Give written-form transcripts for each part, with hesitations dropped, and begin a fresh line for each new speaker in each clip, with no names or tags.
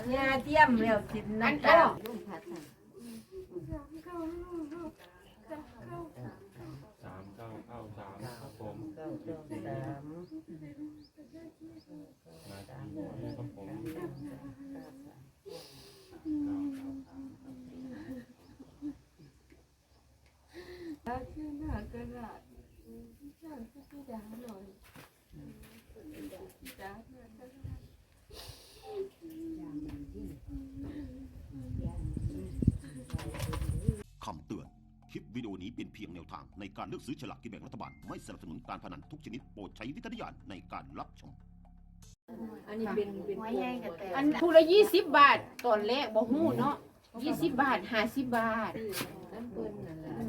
ยาเทียมแล้วกินน้ำตาลลูกผัด
3 ครับผม
9 3
ครับผม
คำเตือน คลิปวิดีโอนี้เป็นเพียงแนวทางในการเลือกซื้อฉลากกินแบ่งรัฐบาล ไม่สนับสนุนการพนันทุกชนิดโปรดใช้วิจารณญาณในการรับชม
อันนี้เป็น
อันผู้ละ20 บาทตอนแรกบ่ฮู้เนาะ20 บาท50 บาท
น้ำเปิ้ลนั่นแหละ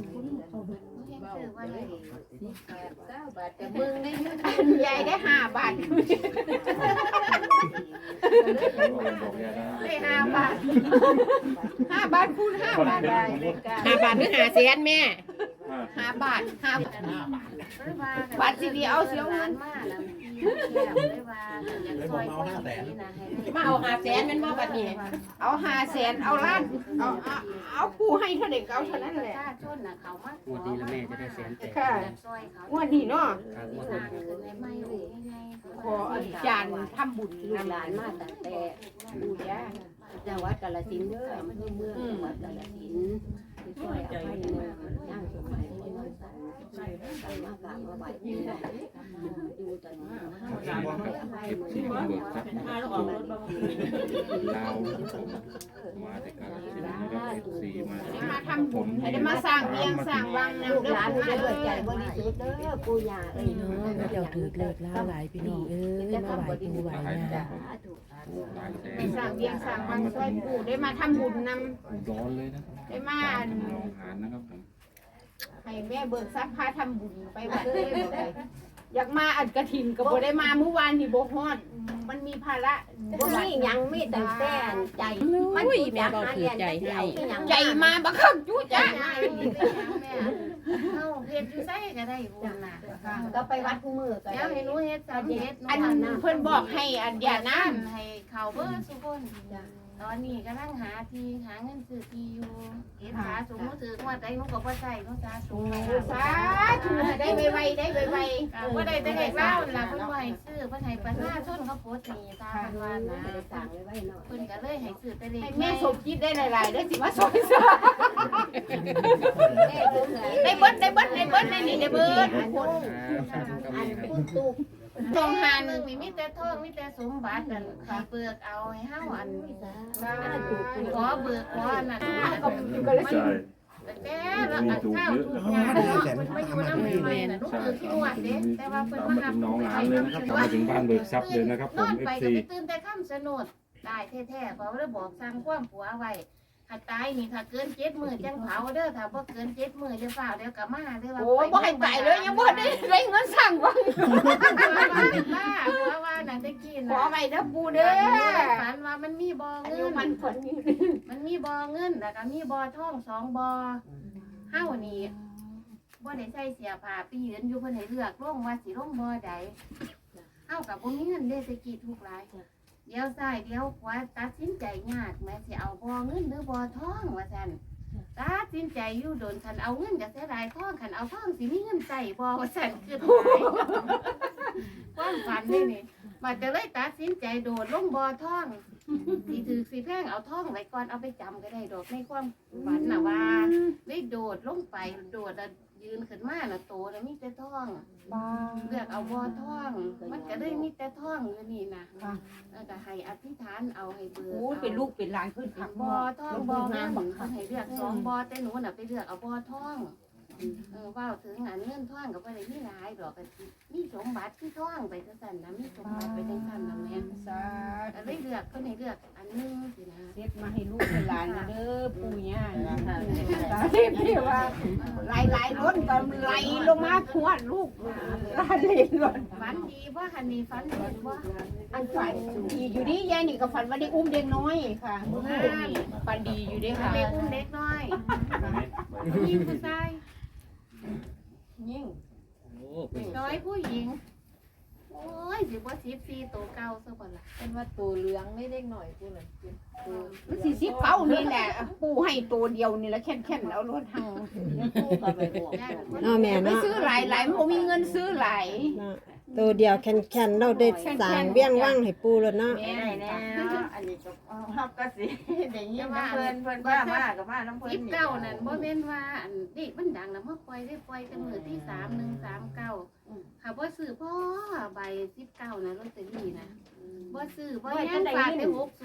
9 บาทแต่มึงได้เงิน
ยายได้5 บาทได้5 บาท5 บาทคูณ5 บาทได้5 บาทหรือ5 แสนแม่5 บาท5 บาทสิเดียวเอาเสียวเงินมาเอา5 แสนแม่นบ่บัดนี้เอา5 แสนเอาล้านเอาผู้ให้เท่าใดก็เอาเท่านั้นแหละ
งวดนี้แล้วแม่จะได้แสนแตก
ค่ะงวดนี้เนาะ
ครับงวดนี้
ขออาจารย์ทำบุญ
ลูกหลานมาตั้งแต่
บูชา
จังหวัดกาฬสินธุ์เด้ออำเภอเมืองจังหวัดกาฬสินธุ์ที่ช่วยอภัยเมืองย่างสมัยที่น้องสาวใส่มากราบมาไหว้ที่ไหนอยู่ตอนนี้ให้อภัยเมือง
เบิกทรัพย์ลาวมาแต่การเสียนะครับ14มา
ได้มาทำบุญให้ได้มาสร้างเวียงสร้างวัง
ลูก
นำ
หลาน
เด้
มา
อ
ด้วยใจบริสุทธิ์เด้อปู่ย่าเอ้ย
พระเจ้าถือเลิกล่าหลายพี่น้องเอ้ยมาไหวปูไหวนะ
หลายแส
ได้
น
สร้างเวียงสร้างวังช่วยปู่ได้มาทำบุญนำ
ร้อนเลยนะครับ
ได้มา
น้องหานนะครับผม
ให้แม่เบิกทรัพย์พาทำบุญไปวัดเลยบ่ได้อยากมาอัดกฐินก็บ่ได้มาเมื่อวานนี่บ่ฮอดมันมีภาระ
บ่มีหยังมีแต่แต่ใจมัน
อุ้ยแม่เบาถือใจให้
ใจมาบักคักจุจ้ะ
เฮาเฮ็ดอยู่ไสก็ได้บุญน่ะ
ก็ไปวัดคู่มือก็
เดี๋ยวให้หนูเฮ็ดสำเร็จ
อันเพิ่นบอกให้อันอย่าน้ำ
ให้เขาเบิดทุกคนตอนนี้กำลังหาที่หาเงินซื้อที่อยู่เฮ็ดสาสมมุติถือว่าใจหนูก็บ่ใช่หนูสาสม
สาธุให้ได้ไวๆได้ไว
บ่ได้แต่เด็กเล่าล่ะเพิ่นบ่ให้ซื้อเพิ่นให้ประชาชนเขาโพสต์นี่ตาเพิ่นว่านะ
สั่งไว้ไว้หน่อย
เพิ่นก็เลยให้ซื้อแต่เด็
ๆ
ก
ให้แม่สมคิดได้หลายๆได้สิมาสอนซะ
แม่ลูกหลาน
ได้เบิดได้นี่ได้เบิด
อันคุณตุก
ทองหัน
นึงนี่มีแต่ทองมีแต่สมบัตินั่นให้เบิกเอาให้เฮาอันขอเบิกขออันนั้น
ก็เลย
ใช่
แต่ละอันข้าวทุกอย่างเนาะมันมาอยู่น้ำใหม่น่ะลูกคือที่นวดเด้แต่ว่าเพิ่น
ตาม
มา
มา
หา
ถึงน้องหลานเลยนะครับตามมาถึงบ้านเบิกทรัพย์เลยนะครับผ
น
ม
อนไปก็
FC
ไปตื่นแต่ค่ำสนุดตายแท้ๆเพราะว่าบอกสั่งความผัวไว้ถ้าตายนี่ถ้าเกิน7 มื้อจังเผาเด้อถ้าบ่เกิน7 มื้อจะเฝ้าเดี๋ยวกลับมาเด้อว่า
โอ้บ่ให้ตายเลยยังบ่ได้เงินสั่งว่า
เป็นบ้าผัวว่านั่นตะกี้
ขอ
นะ
ไว้เด้อปู่เด้อ
ฝันว่ามันมีบ่อ
อา
เงิ
ยุ
น
มันผลอยู่
มันมีบ่อเงินแล้วก็มีบ่อทอง2บ่อเฮานี่บ่ได้ใส่เสียผ้าไปยืนอยู่เพิ่นให้เลือกลงว่าสิลงบ่อใดเฮาก็บ่มีเงินเด้ตะกี้ทุกหลายเดี๋ยวซ้ายเดี๋ยวขวาตัดสินใจยากแม่สิเอาบ่อเงินหรือบ่อทองว่าซั่นตัดสินใจอยู่โดนคันเอาเงินก็เสียดายทองคันเอาทองสิมีเงินใส่บ่ว่าซั่นคือความฝันนี่มันจะเลยตัดสินใจโดดลงบ่อทองสิถือสิแพงเอาทองไว้ก่อนเอาไปจำก็ได้ดอกในความฝันน่ะว่าเลยโดดลงไปโดดแล้วยืนขึ้นมาน่ะโตแล้วมีแต่ทองเลือกเอาบ่อทองมันก็เลยมีแต่ทองอยู่นี่นะแล้วก็ให้อธิษฐานเอาให้เบิก
โอ้ยเป็นลูกเป็นหลานขึ้นขัก
บ่
บ่
อทองบ่อเงินเขาให้เลือก2บ่อแต่หนูน่ะไปเลือกเอาบ่อทองว่าถึงอันเงินทองก็บ่ได้มีหลายดอกก็มีสมบัติคือทองไปจังซั่นนะมีสมบัติไปจังซั่นน่ะแม่
สา
ก็เลยเลือกเพิ่นให้เลือกอันนึงสินะ
เฮ็ดมาให้ลูกให้หลานนะเด้อปู่ย่าสาธุที่ว่าไหลล้นก็ไหลลงมาพวดลูกหลานเล่นล้น
ฝันดีบ่หันนี่ฝันเห็นบ่
อันฝันดีอยู่ดียายนี่ก็ฝันว่าได้อุ้มเด็กน้อยค่ะฝันดีอยู่เด้ค่ะ
เด็กอุ้มเด็กน้อยมีผู้ชาย
ยิ่ง
โอ้เป็น
น้อยผู้หญิงโอ้ยสิบ่14ตัวเก่าซะบ่ล่ะ
เป็นว่าตัวเหลืองไม่เด็กหน่อยกูเลยมันสิสิเก้านี่แหละปูให้ตัวเดียวนี่แหละแค่นเอารถทาง
ผู้ก็ไปบอก
เนาะแม่
ไม่
เนาะ
ซื้อหลายมันบ่มีเงินซื้อหลาย
เนาะตัวเดียวแข็งๆเราได้สร้างเวียงว่างให้ปูแล้วเนาะ
แม่ได้แล้วอันนี้ก็เฮาก็สิได้ยินน้ำเพิ่นว่ามาก็มาน้ำเพิ่น
19นั่นบ่แม่นว่าอันเด็กมันดังแล้วมาปล่อยได้ปล่อยแต่มื้อที่3139ค่ะบ่ซื้อพ่อใบ19นะลอตเตอรี่นะบ่ซื้อบ่ยังฝากได้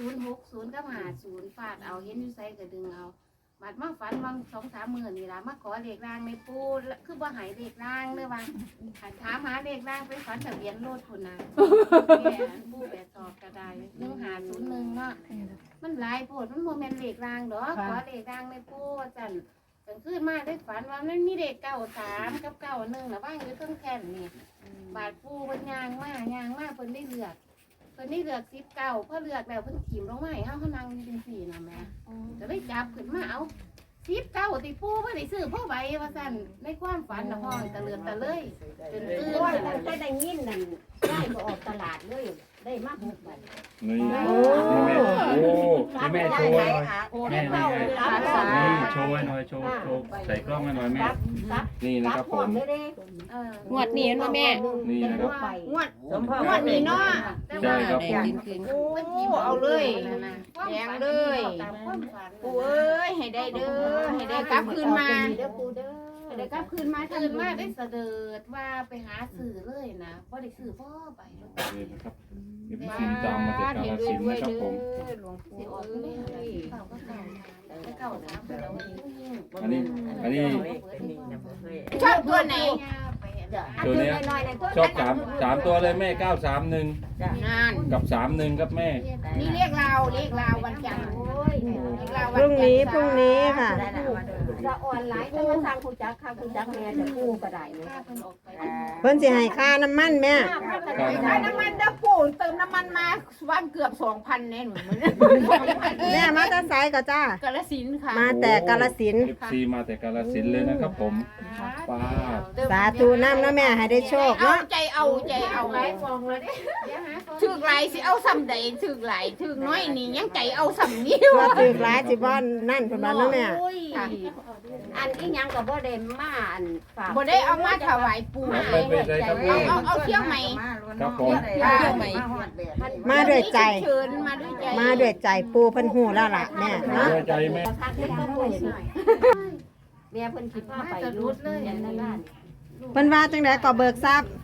60กับ50ฝากเอาเห็นอยู่ไสก็ดึงเอาบัดมาฝันวัง 2-3 มื้อนี่ล่ะมาขอเลขรางในปูคือบ่ให้เลขรางเด้อว่าคันถามหาเลขรางไปฝันทะเบียนรถพุ่นน่ะแม่อันปูแบบสอบก็ได้1501เนาะมันหลายโพดมันบ่แม่นเลขรางดอกขอเลขรางในปูว่าซั่นกลางคืนมาได้ฝันว่ามันมีเลข93กับ91น่ะว่างอยู่เทิงแค่นนี่บาดปูเพิ่นย่างมาเพิ่นได้เลือก19พอเลือกแล้วเพิ่นถิ่มลงมาให้เฮานั่งอยู่จังซี่น่ะแม่ก็เลยจับขึ้นมาเอา19ติปูบ่ได้ซื้อพ่อใบว่าซั่นในความฝันน่ะห้องตะเลือดตะเลยจนตื่น
โอ้ยแต่ได้ยินนั่นได้บ่ออกตลาดเลยได้มา6ใบ
นี่นี่แม่โอ้นี่แม่โชว์หน่อยแม่นี่โชว์หน่อยโชว์ใส่กล้องให้หน่อยแม่นี่นะครับผม
งวดนี้เนาะแม่
นี่นะครับ
งวดนี้เนาะ
ใช่ครับผม
โอ้เอาเลยแดงเลยปูเอ้ยให้ได้เด้อให้ได้กลับคืนมาให้ได้กลับคืนมา
ตื่นมาได้เสด็จว่าไปหาสื่อเลยนะบ่ได้ซื้อพ่อใบรถ
นี่นะครับเอฟซีตามมาจากกาฬสินธุ์นะครับผม
หลวงปู่
สิออกไม่หาเก่าก็เก่าแต่เก่าสามแต่เรา
อันนี้
ชอบตัวไหน
ตัวเนี้ยชอบสามตัวเลยแม่931
งาน
กับ31ครับแม่
นี่เรียกเราวันจันทร์
พรุ่งนี้ค่ะ
จะออนไลน์จะมาสร้างคุณจักค่ะคุณจักแม่จะกู้ก็ได้เลย
เพิ่นสิให้ค่าน้ำมันแม่
ใช้น้ำมันเด้อปู่เติมน้ำมันมาวันเกือบ 2,000แน่หนู
แม่มาแต่ไสก็จ้าก
าฬสินธุ์ค่ะ
มาแต่กาฬสินธุ์
FC มาแต่กาฬสินธุ์เลยนะครับผมป้า
สาธุน้ำเนาะแม่ให้ได้โชค
เอา
เนาะ
ใจเอาไว้ฟองเลยถึกหลายสิเอาซ้ำใดถึกหลายถึกน้อยนี่ยังใจเอาซ้ำนี้
ว่าถือหลายสิบ่นั่นเพิ่นว่าเนาะแม่
อันอีหยังก็บ่ได้มาอันฝาก
บ่ได้เอามาถวายปู่
ไม่เป็นไรครับผม
เอาเที่ยวใหม่
ครับผม
มาด้วยใจ
เชิญมาด้วยใจ
มาด้วยใจปูเพิ่นฮู้แล้วล่ะแม่เนาะ
ใจแม่
พักให้ต้องป่วยหน่อยแม่เพิ่นคิดว่าไปรุดเลยในบ้าน
เพิ่นว่าจังได๋ก็เบิกทรัพย์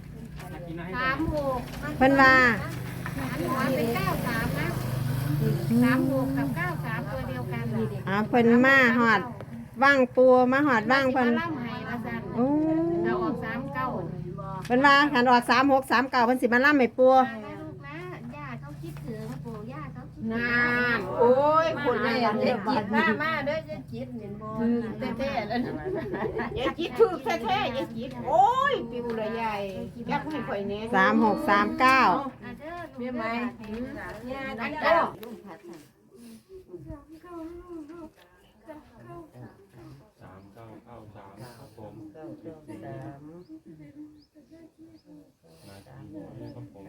36
เพิ่นว่า
เป็น93นะ36กับ93ตัวเดียวกัน
เพิ่นมาฮอดว่างปูมาฮอดว่างเพิ่น
ล่ำให้ว่าซั่น
โอ้
เราออก39
เพิ่นว่าคันออก3639เพิ่นสิมาล่ำให้ปู
มานะลูกนะย่าเขาคิดถึงปู่ย่าเขาคิดถึง
นานโอ้ยคนแรกเลยจิต
มาเด้อจะจิตเห็นบ่
แท้ๆแล้วอย่าจิตถึกแท้ๆอย่าจิตโอ้ยปิวละใหญ่อยากให้ข่อยแน่
3639
อ่ะเด้อลูกเด้อ
อันก็ลุงพัด
3993ครับผมครับผม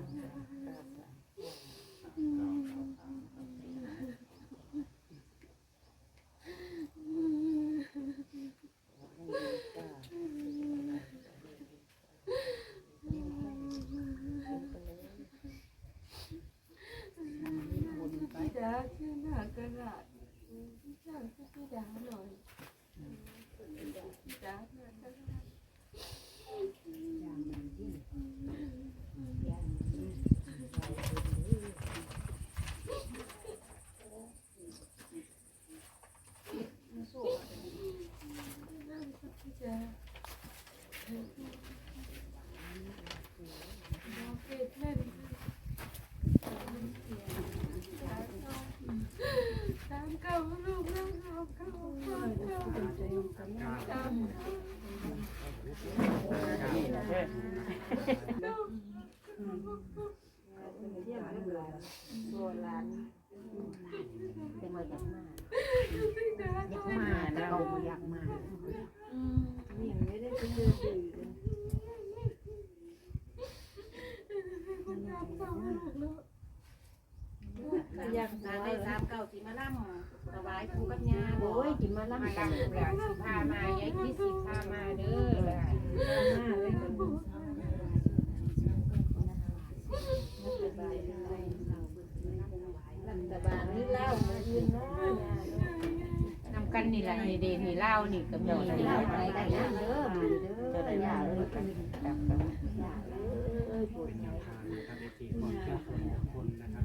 เป็นมาจากมาอยากมาแต่เราบ่อยากมา
39สิมาล่ำถวายปู่กับย่า
โอ้ยจิมาล่ำ
มา
กัน
ล่ำแล้วสิพามายายคิดสิพามาเด้อล่ะ
รัฐบาลนี่เล่ามายืนเนาะ
นำกันนี่แหละนี่เดนี่เล่านี่กับ
เดี๋ยว
นี่
เล่า
เล่า
ไปกันนะเด้อเด้ออย่าเลยอย่าเลยปวด
ทางนะครับในที่ความเชื่อส่วนบุคคลนะครับ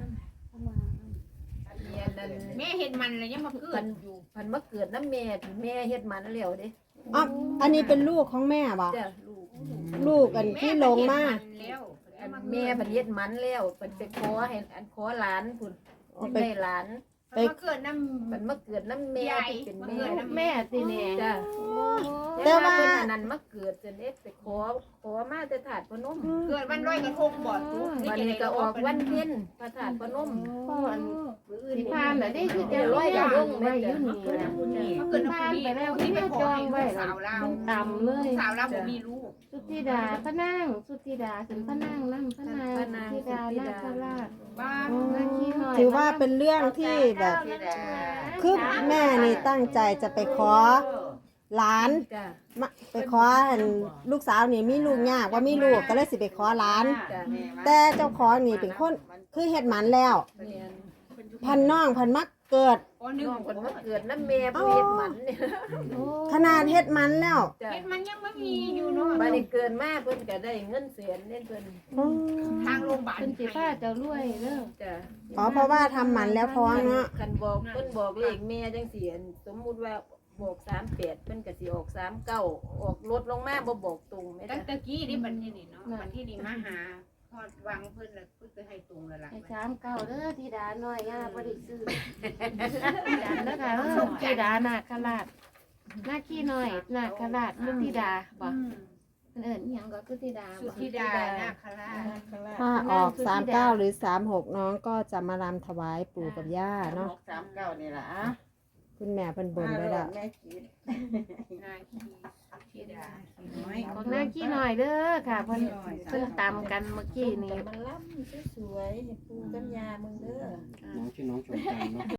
แม่เห็นมันเลยยังมาเกิดอยู่พันมาเกิดน้ำแม่ที่แม่เฮ็ดมันแล้วเด้
อ๋ออันนี้เป็นลูกของแม่บ่
จ้ะลูก
ลูกอันที่ลงมา
แม่พันเฮ็ดมันแล้วเป็นไปขอให้อันขอหลานพุ่น
เอา
ไป
ไป
หลาน
ไป
มาเกิดน้ำมันมาเกิดน้ำแม่ที่เป็นแม่
แม่สิแม่
จ้ะ
แต่ว่า
เพิ่นอันนั้นมาเกิดจนเอ็กไปขอมาแต่ถาดพนมเกิดวันลอยกระทงบ่วันนี้ก็ออกวันเพ็ญพระธาตุพนม
พ่ออันสิพามแบบนี้คือ
เดี๋
จะ
ยว
ร้
ร้
อ
อย ย
ก
ก
ระ
ระ
ท
ท
ง
ง
ไว้
ไว้
อ
อยู่
ยู่
นี่
นี่
นะ
นะพามไปแล้วที่ไม่จองไว้ต่ำเลย
สาวเราบ่มีลูก
สุธิดาพระนางสุธิดาถึงพระนางนั่งพระนางสุธิดานาคราช
บ้าน
นาคีหน่อย
ถือว่าเป็นเรื่องที่แบบ คือแม่นี่ตั้งใจจะไปขอหลาน
จ้ะ
มาไปขออันลูกสาวนี่มีลูกยากว่ามีลูกก็เลยสิไปขอหลาน
จ้ะ
แต่เจ้าของนี่เป็นคนคือเฮ็ดหมันแล้ว
เนี่ย
พันน้องพันมักเกิด
น้องคนมาเกิดน้ำแม่ผู้เฮ็ดมันเนี่ย
ขนาดเฮ็ดหมันแล้ว
จ้ะมันยังไม่มีอยู่เนาะบัดนี้เกินมาเพิ่นก็ได้เงินแสนเด้เพิ่นทางโรงพยาบาล
เป็นสิฟ้าเจ้ารวยเด้อ
จ้ะ
อ๋อเพราะว่าทำหมันแล้วท้องเนาะ
คันบอกเพิ่นบอกเลขแม่จังซี่สมมุติว่าบอก38เพิ่นก็สิออก39ออกลดลงมาบ่บอกตรงแม่
ตั้ง
จ้ะ
แต่กี้นี่บันนี้นี่เนาะบันที่นี่มาหาพอดวางเพิ่นแล้วเพิ่นจะให้ตรงแล้วล่ะ
ให้39เด้อธิดาน้อยย่าบ่ได้ซื้อจันเด้อค่ะธิดานาคราชนาคีน้อยนาคราชสุธิดาบ่เอิ้นอีหยังก็สุธิดา
สุ
บ่
ธิดานาคราช
ถ้าออก39หรือ36น้องก็จะมารำถวายปู่กับย่าเนาะ
39นี่ล่ะ
คุณแม่เพิ่นบ่นไว้แล้ว
แม่คิด
นาคีสุธิดา
ของนาคีน้อยเด้อค่ะเพิ่นตำกันเมื่อกี้นี่
มันล้ำสวยๆให้ปูกับยามึงเด้อ
น้องชื่อน้องชมจันทร์เนาะ